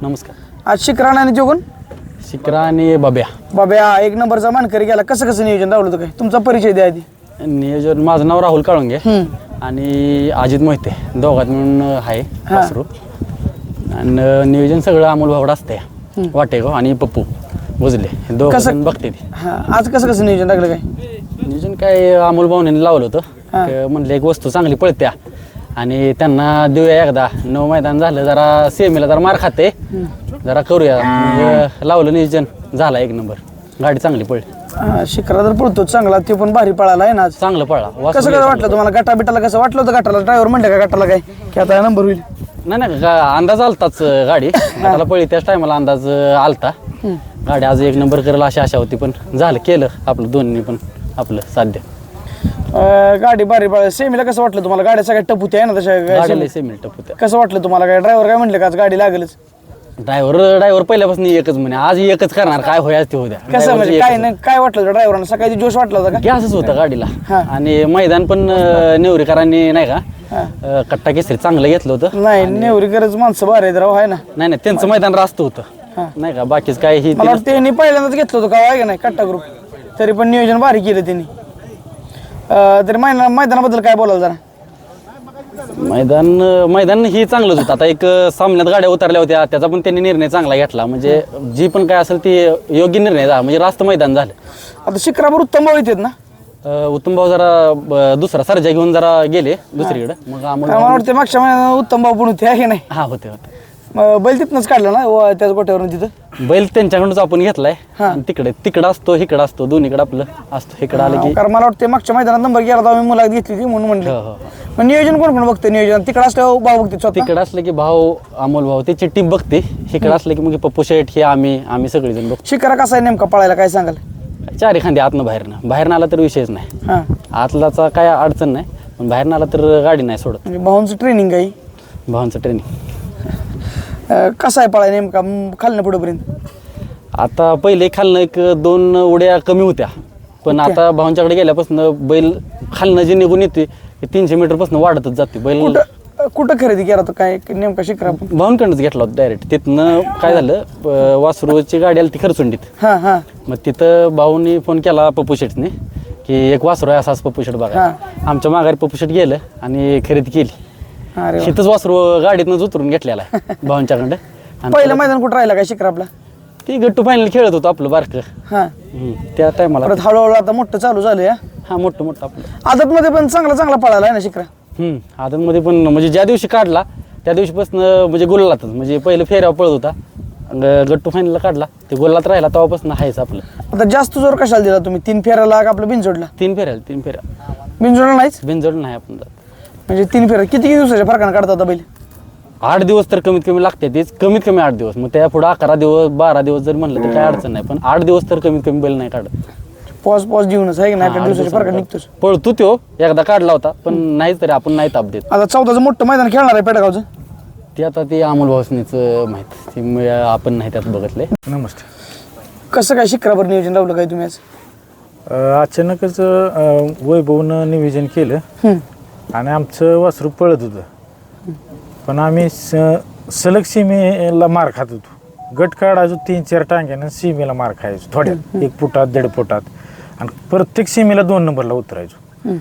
नमस्कार. आज शिकराण आणि जोगून शिकरा आणि बाब्या. बाब्या एक नंबरचा मानकरी गेला. कसं नियोजन लावलं होतं काय? तुमचा परिचय द्या आधी. नियोजन माझं नाव राहुल काळुंगे आणि अजित मोहिते दोघात मिळून आहे वासरू. आणि नियोजन सगळं अमोल भावडा असते. वाटेगाव आणि पप्पू बुजले हे दोघं बघते ती. आज कसं नियोजन टाकलं काय? नियोजन काय अमोल भावने लावलं होतं. म्हणलं एक वस्तू चांगली पळत्या आणि त्यांना देऊया एकदा. 9 मैदान झालं जरा सेमीला जरा मार खाते जरा करूया. लावलं नियोजन झाला एक नंबर. गाडी चांगली पळली. शिकरा तर पळतो चांगला. ते पण भारी पळाला आहे ना आज. चांगलं पळला. कसं वाटलं तुम्हाला? गटा बिटाला कसं वाटलं होतं? गटाला ड्रायव्हर म्हणलं का गटाला काय की आता नंबर होईल? नाही अंदाज आलताच. गाडी गटाला पळली त्याच टायमाला अंदाज आलता. गाडी आज एक नंबर करेल अशी आशा होती पण झालं केलं आपलं दोन्ही पण आपलं साध्य. गाडी भारी पळाली. सेमीला कसं वाटलं तुम्हाला? गाड्या सगळ्या टपूत्या आहे ना तशा? गाडीला सेमी टप होत्या. कसं वाटलं तुम्हाला? काय ड्रायव्हर काय म्हणलं का आज गाडी लागेलच? ड्रायव्हर पहिल्यापासून एकच म्हणे आज एकच करणार काय होया ते होत्या. कसं म्हणजे काय वाटलं होतं ड्रायव्हरांना? सकाळी जोश वाटला होता का? गॅसच होता गाडीला. आणि मैदान पण नेवरीकरांनी नाही का कट्टा केसरी चांगलं घेतलं होतं. नाही नेवरीकरच माणसं भारी आहेत राव आहे ना. नाही त्यांचं मैदान रास्त होतं नाही का. बाकीच काय ही मला वाटतं त्यांनी पहिल्यांदाच घेतलं होतं का आहे का नाही कट्टा ग्रुप. तरी पण नियोजन भारी केलं त्यांनी. तरी मैदानाबद्दल काय बोलाल जरा? मैदान ही चांगलंच होतं. आता एक सामन्यात गाड्या उतरल्या होत्या त्याचा पण त्यांनी निर्णय चांगला घेतला. म्हणजे जी पण काय असेल ती योग्य निर्णय झाला. म्हणजे रास्त मैदान झालं. आता शिक्रापूर उत्तम भाऊ येतात ना? उत्तम भाऊ जरा दुसरा सर्जा घेऊन जरा गेले दुसरीकडे. मग मला वाटतं मागच्या महिन्यात उत्तम भाऊ पण होते आहे की नाही? हा होते. बैल तिथनंच काढला ना त्याच गोट्यावरून तिथं? बैल त्यांच्याकडूनच आपण घेतलाय. तिकडं असतो इकडं असतो दोन्हीकडे आपलं असतो. इकडं आलं की कारण मला वाटतं मागच्या मैदानात नंबर गेला तर आम्ही मुलाखत घेतली होती म्हणून म्हणलं. मग नियोजन कोण बघते? नियोजन तिकडं असल्यावर भाऊ बघते. तिकडं असलं की भाऊ अमोल भाऊ त्याची टीम बघते. इकडं असलं की मग पप्पू शेठ हे आम्ही सगळेजण बघतो. शिकारा कसा आहे नेमका पळायला काय सांगाल? चारी खांदी आतनं बाहेरनं आला तर विषयच नाही. आतलाचा काय अडचण नाही पण बाहेरनं आला तर गाडी नाही सोडत. म्हणजे भाऊंचं ट्रेनिंग काही? भावांचं ट्रेनिंग कसं आहे पळाय नेमका खालनं पुढेपर्यंत? आता पहिले खालनं 1-2 उड्या कमी होत्या पण आता भावांच्याकडे गेल्यापासून बैल खालनं जे निघून येते 300 मीटर पासून वाढतच जाते बैल. कुठं खरेदी केला होता काय नेमका शिकरा? भावांकडनंच घेतला होता डायरेक्ट. तिथनं काय झालं वासरूची गाडी आली ती खरचुंडीत. मग तिथं भाऊनी फोन केला पप्पू शेठने की एक वासरू आहे असाच पप्पू शेठ बघा. आमच्या माघारी पप्पू शेठ गेलं आणि खरेदी केली. शेतच वासरू गाडीतनंच उतरून घेतलेला आहे भावांच्याकडं. पहिलं मैदान कुठं राहिला काय शिकरा आपला? ती गट्टू फायनल खेळत होतो आपलं बारकं. त्या टायमाला हळूहळू आता मोठं चालू झालं. मोठं आपलं आदतमध्ये पण चांगला पळाला आहे ना शिकरा? आदतमध्ये पण म्हणजे ज्या दिवशी काढला त्या दिवशीपासून म्हणजे गुलालातच. म्हणजे पहिलं फेऱ्यावर पळत होता गट्टू फायनलला काढला ते गोलात राहिला तेव्हापासून आहेच आपलं. आता जास्त जोर कशाला दिला तुम्ही? 3 फेऱ्याला आपलं बिनजोडला? 3 फेऱ्या बिनजोडला नाहीच? बिनजोड नाही आपण जात. म्हणजे 3 फेऱ्या किती दिवसाच्या फरकानं काढता होता बैल? 8 दिवस तर कमीत कमी लागते. तेच कमीत कमी 8 दिवस. मग त्या पुढे 11 दिवस 12 दिवस जर म्हणलं तर काय अडचण नाही पण 8 दिवस तर कमीत कमी बैल नाही काढत. पॉज देऊनच आहे की नाही? 8 दिवसाच्या फरकानं निघतोच. पळतो तो एकदा काढला होता पण नाही तरी आपण नाही ताप देत. आता 14चं मोठं मैदान खेळणार आहे पेडगावचं ते आता ते अमोल भाऊसनीच माहित. ते आपण नाही त्यात बघितले. नमस्ते. कसं काय शिक्रावर नियोजन लावलं काय तुम्ही आज? अचानकच वैभवनं नियोजन केलं आणि आमचं वासरू पळत होतं पण आम्ही सलग सीमेला मार खात होतो. गट काढायचो 3-4 टांग्यानं सीमेला मार खायचो थोड्यात 1 फुटात 1.5 फुटात आणि प्रत्येक सीमेला 2 नंबरला उतरायचो.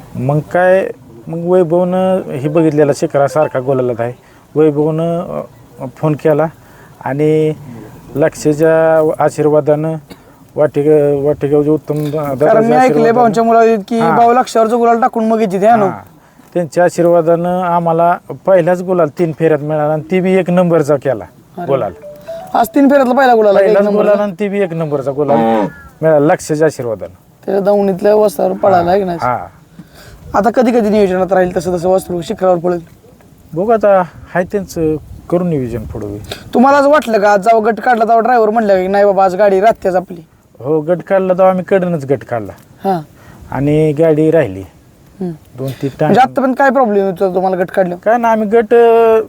मग वैभवनं हे बघितलेला शिकरा सारखा गोलालात आहे. वैभवनं फोन केला आणि लक्षच्या आशीर्वादानं वाटेगावचे उत्तम मी ऐकलंय भाऊंच्या मुला की भाऊ लक्षावरचं गुलाल टाकून मग येते त्यांच्या आशीर्वादानं आम्हाला पहिलाच गुलाल 3 फेऱ्यात मिळाला आणि ती बी 1 नंबरचा केला गुलाल. आज 3 फेऱ्यातला पहिला गुलाल आणि ती बी 1 नंबरचा गुलाल मिळाला लक्षच्या आशीर्वादानं. त्याच्या दावणीतल्या वस्त्रावर पळायला आहे की नाही? आता कधी नियोजनात राहील तसं वस्त्र शिखरावर पळेल बघू. आता हाय त्यांचं करून नियोजन पुढे. तुम्हाला असं वाटलं का आज जेव्हा गट काढला तेव्हा ड्रायव्हर म्हणलं की नाही बाबा आज गाडी राहतेच आपली? हो गट काढला तेव्हा आम्ही कडनच गट काढला आणि गाडी राहिली 2-3 टांग. म्हणजे आता पण काय प्रॉब्लेम होतो तुम्हाला गट काढलं? काय ना आम्ही गट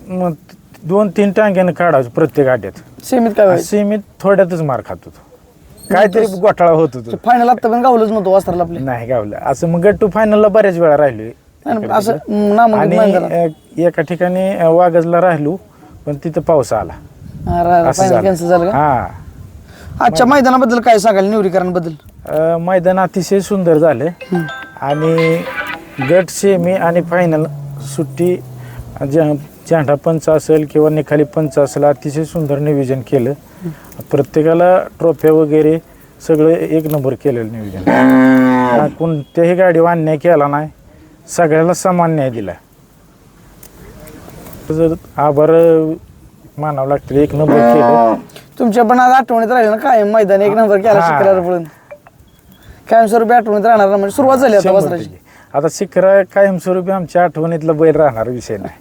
2-3 टांग्यानं काढायचो प्रत्येक गाड्यात. सेमीत काय? सेमीत थोड्यातच मार खात होतो. काहीतरी घोटाळा होत होतो. फायनल आता पण गावलंच नव्हतं वस्त्राला आपल्या? नाही गावलं. असं मग गट टू फायनलला बऱ्याच वेळा राहिलो असं आणि एका ठिकाणी वागजला राहिलो पण तिथं पाऊस आला असं झालं. कॅन्सल झालं का? हा आजच्या मैदानाबद्दल काय सांगाल निवडीकरांबद्दल? मैदान अतिशय सुंदर झाले आणि गट सेमी आणि फायनल सुट्टी झेंडा पंच असेल किंवा निखाली पंच असेल अतिशय सुंदर नियोजन केलं. प्रत्येकाला ट्रॉफ्या वगैरे सगळं एक नंबर केलेलं नियोजन. कोणत्याही गाडीवर अन्याय केला नाही, सगळ्याला समान न्याय दिला. आभार मानावं लागतं, एक नंबर केलं. तुमच्या पण आज आठवणीत राहिलं ना काय मैदान एक नंबर केला हा. शिकराला पळून कायमस्वरूपी आठवणीत राहणार ना, म्हणजे सुरुवात झाली आता वासराची. आता शिखरा कायमस्वरूपी आमच्या आठवणीतला बैल राहणार विषय नाही.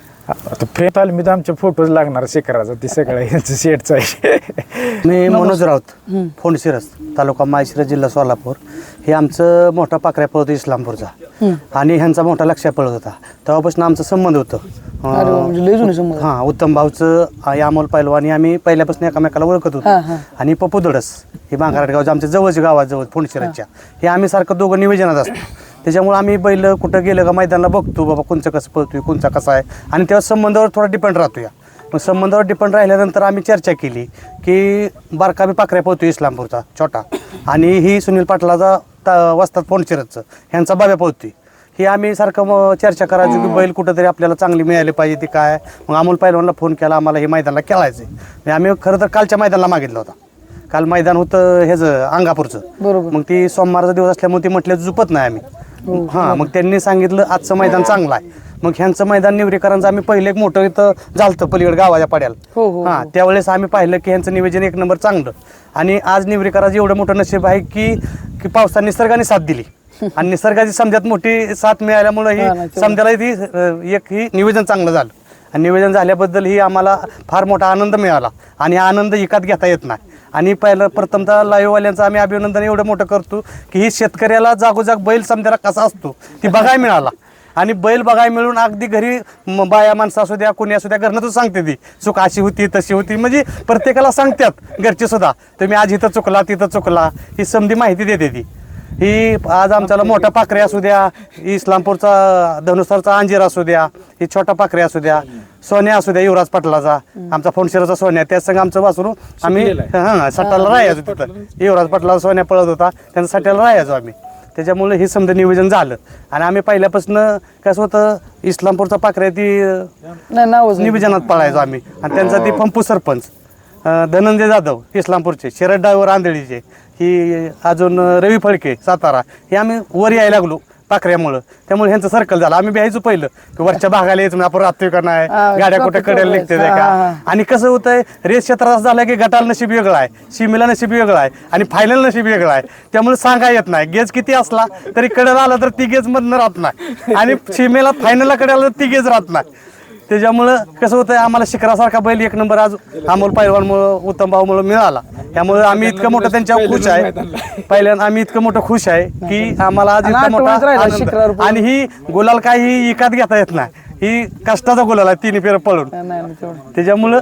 आता फेर तालमीत आमचे फोटोज लागणार शिखराचा, ते सगळं यांचं शेटचं आहे. मी मनोज राऊत फोंडशिरस तालुका माळशिरस जिल्हा सोलापूर. हे आमचं मोठा पाकऱ्या पळत इस्लामपूरचा आणि ह्यांचा मोठा लक्ष्या पळत होता. तेव्हापासून आमचा संबंध होतं. अरे वा, म्हणजे लय जुने संबंध. हा उत्तम भाऊचं आई अमोल पैलवान आम्ही पहिल्यापासून एकामेकाला ओळखत होतो. आणि पप्पू दडस हे बांगारट गावचं आमच्या जवळच्या गावाजवळ फोंडशिरसच्या, हे आम्ही सारखं दोघं निवेदनात असतो. त्याच्यामुळे आम्ही बैल कुठं गेलं का मैदानाला बघतो बाबा कोणचं कसं पळतोय कोणचा कसा आहे, आणि तेव्हा संबंधावर थोडा डिपेंड राहतो. या मग संबंधावर डिपेंड राहिल्यानंतर आम्ही चर्चा केली की बारका बी पाकऱ्या पळतोय इस्लामपूरचा छोटा, आणि ही सुनील पाटलाचा वस्तात फोंडशिरसचं ह्यांचा बाब्या पळतोय. हे आम्ही सारखं चर्चा करायचो की बैल कुठंतरी आपल्याला चांगली मिळाली पाहिजे. ती काय मग अमोल पैलवानला फोन केला, आम्हाला हे मैदानाला खेळायचं आहे. आम्ही खरं तर कालच्या मैदानाला मागितलं होता. काल मैदान होतं ह्याचं अंगापूरचं. बरोबर. मग ती सोमवारचा दिवस असल्यामुळे ती म्हटलं झुपत नाही आम्ही. हां मग त्यांनी सांगितलं आजचं मैदान चांगलं आहे. मग ह्यांचं मैदान निवरेकरांचं आम्ही पहिलं एक मोठं इथं झालतं पलीकडे गावाच्या पाड्याला. हां त्यावेळेस आम्ही पाहिलं की ह्यांचं नियोजन एक नंबर चांगलं. आणि आज निवरेकराचं एवढं मोठं नशीब आहे की पावसाने निसर्गाने साथ दिली आणि निसर्गाची समजात मोठी साथ मिळाल्यामुळं ही समजायला ती एक ही नियोजन चांगलं झालं. आणि नियोजन झाल्याबद्दल ही आम्हाला फार मोठा आनंद मिळाला आणि हा आनंद एकात घेता येत नाही. आणि पहिलं प्रथमतः लाईव्हवाल्यांचं आम्ही अभिनंदन एवढं मोठं करतो की ही शेतकऱ्याला जागोजाग बैल समजायला कसा असतो ती बघायला मिळाला. आणि बैल बघायला मिळून अगदी घरी बाया माणसं असू द्या कोणी असू द्या घरनं तर सांगते ती चूक अशी होती तशी होती, म्हणजे प्रत्येकाला सांगतात घरचे सुद्धा तुम्ही आज इथं चुकला तिथं चुकला, ही समधी माहिती देते ती. ही आज आमच्याला मोठा पाखरे असू द्या, इस्लामपूरचा धनुसरचा अंजीर असू द्या, ही छोटा पाखरे असू द्या, सोन्या असू द्या युवराज पाटलाचा, आमचा फोंडशिरसचा सोन्या, त्या संग आमचं वासरू आम्ही सट्टाला राहायचो तिथं. युवराज पाटलाचा सोन्या पळत होता, त्यांचा सट्ट्याला राहायचो आम्ही. त्याच्यामुळे हे समजा नियोजन झालं. आणि आम्ही पहिल्यापासून कसं होतं इस्लामपूरचा पाखऱ्या ती नियोजनात पळायचो आम्ही. आणि त्यांचा ती पंपू सरपंच धनंजय जाधव इस्लामपूरचे, शरद ड्रायव्हर आंधळीचे, ही अजून रवी फळके सातारा, हे आम्ही वर यायला लागलो पाखऱ्यामुळं. त्यामुळे ह्यांचं सर्कल झालं. आम्ही भ्यायचो पहिलं की वरच्या भागाला यायचं आपण राहतोय का नाही, गाड्या कुठे कडेला निघते का. आणि कसं होतंय रेस क्षेत्रात असं झालं की गटाला नशीब वेगळं आहे, सीमेला नशीब वेगळं आहे आणि फायनल नशीब वेगळं आहे. त्यामुळे सांगा येत नाही गेज किती असला तरी कडेला आला तर ती गेज मधनं राहत नाही आणि सीमेला फायनलला कडेला तर ती गेज राहत नाही. त्याच्यामुळं कसं होतं आम्हाला शिखरासारखा बैल एक नंबर आज अमोल पैलवानमुळं उत्तम भाऊमुळं मिळाला. त्यामुळे आम्ही इतकं मोठं त्यांच्यावर खुश आहे. पहिल्यांदा आम्ही इतकं मोठं खुश आहे की आम्हाला आज इतकं मोठा आनंद. आणि ही गुलाल काही विकत घेता येत नाही, ही कष्टाचा गुलाल आहे तिन्ही फेर पळून. त्याच्यामुळं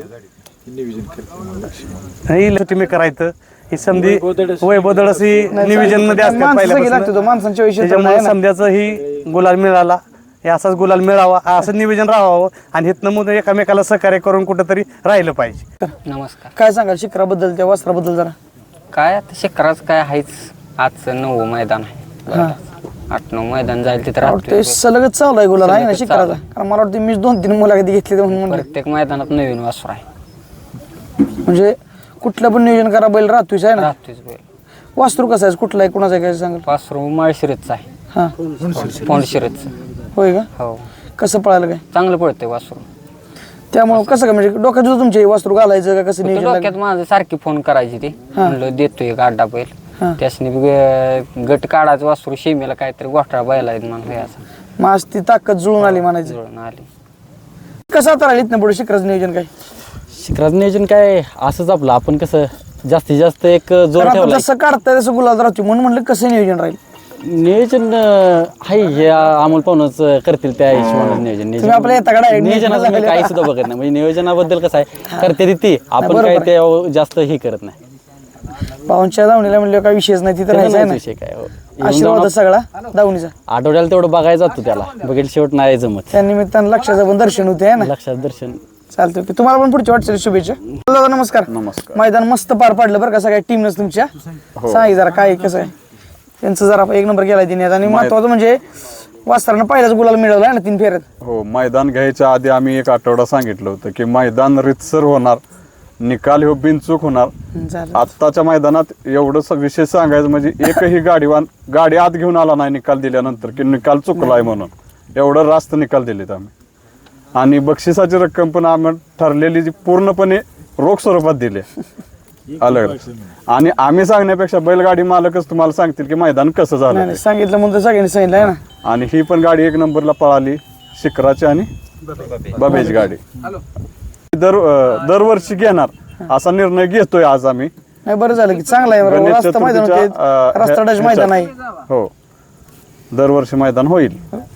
तुम्ही करायचं ही समधी वैभव दडस ही नियोजन मध्ये असतात पहिल्यापासून. त्याच्यामुळे समध्याचं ही गुलाल मिळाला, हे असाच गुलाल मिळावा असं नियोजन राहावं आणि हितनं मग एकामेकाला सहकार्य करून कुठंतरी राहिलं पाहिजे. नमस्कार. काय सांगाल शिखराबद्दल त्या वस्त्राबद्दल जरा? काय आता शिखराचं काय आहेच, आजचं 9वं मैदान आहे. 8-9 मैदान जाईल तिथं ते सलगच चालू आहे गुलाल आहे ना शिखराचा. कारण मला वाटतं मी 2-3 मुलाखती घेतली म्हणून म्हणलं प्रत्येक मैदानात नवीन वासरू आहे. म्हणजे कुठलं पण नियोजन करा बैल राहतोच आहे ना. राहतोच बैल. वासरू कसं आहे कुठला आहे कुणाचं आहे काय सांगाल? वासरू माळशिरसचं आहे. हा फोंडशिरसचं. होय का? हो कसं पळायला काय चांगलं पळते वासरू. त्यामुळे कसं काय म्हणजे डोक्यात होतं तुमचे वासरू घालायचं का कसं नियोजन डोक्यात माझं सारखी फोन करायची ते म्हणलं देतोय गाड्डा बैल. त्यासनी गट काढायचं वासरू शेमीला काहीतरी गोठा बैल आहेत म्हणून याचा मग आज ती ताकद जुळून आली म्हणायचं. जुळून आली. कसं आता राहिली इथनं पुढे शिखराचं नियोजन काय? शिखराचं नियोजन काय असंच आपलं आपण कसं जास्तीत जास्त एक जोर कारण ठेवला. जसं काढताय तसं गुलाल राहतो म्हणून म्हणलं कसं नियोजन राहील. नियोजन आहे हे अमोल पाहुणच करतील त्या हिशोबाने नियोजन. तुम्ही आपल्या येताकडे आहे, नियोजनाचं मी काही सुद्धा बघत नाही. म्हणजे नियोजनाबद्दल कसं आहे करते ती आपण काय ते जास्त हे करत नाही. पाहुणच्या दावणीला म्हणलं काय विषयच नाही तिथं राहायचं आहे ना. विषय काय आशीर्वाद सगळा दावणीचा. आठवड्याला तेवढं बघायला जातो त्याला, बघेल शेवट नाही जमत. त्या निमित्तानं लक्षाचं पण दर्शन होते आहे ना. लक्षात दर्शन चालतंय की तुम्हाला पण पुढच्या वाटचाली शुभेच्छा. दादा नमस्कार. नमस्कार. मैदान मस्त पार पाडलं बरं का सगळ्या टीमनंच तुमच्या. सांग जरा काय कसं आहे त्यांचं जरा एक नंबर केलाय तिने आणि महत्वाचं म्हणजे वासरानं पहिल्याच गुलाल मिळवला आहे ना 3 फेऱ्यात. हो, मैदान घ्यायच्या आधी आम्ही एक आठवडा सांगितलं होतं की मैदान रितसर होणार, निकाल हो बिनचूक होणार. झालं. आत्ताच्या मैदानात एवढं विशेष सांगायचं म्हणजे एकही गाडी आत घेऊन आला नाही निकाल दिल्यानंतर की निकाल चुकलाय म्हणून. एवढं रास्त निकाल दिलेत आम्ही. आणि बक्षिसाची रक्कम पण आम्ही ठरलेली जी पूर्णपणे रोख स्वरूपात दिली अलग. आणि आम्ही सांगण्यापेक्षा बैलगाडी मालकच तुम्हाला सांगतील की मैदान कसं झालं. नाही सांगितलं म्हणून तर सगळ्यांनी सांगितलं आहे ना. आणि ही पण गाडी 1 नंबरला पळाली, शिखराची आणि बाबेची गाडी. दरवर्षी घेणार असा निर्णय घेतोय आज आम्ही. नाही बरं झालं की चांगलं आहे बरं. गणेश रास्ता मैदान होते, चतुर्थीच्या, रास्ता टच मैदान आहे. हो, दरवर्षी मैदान होईल.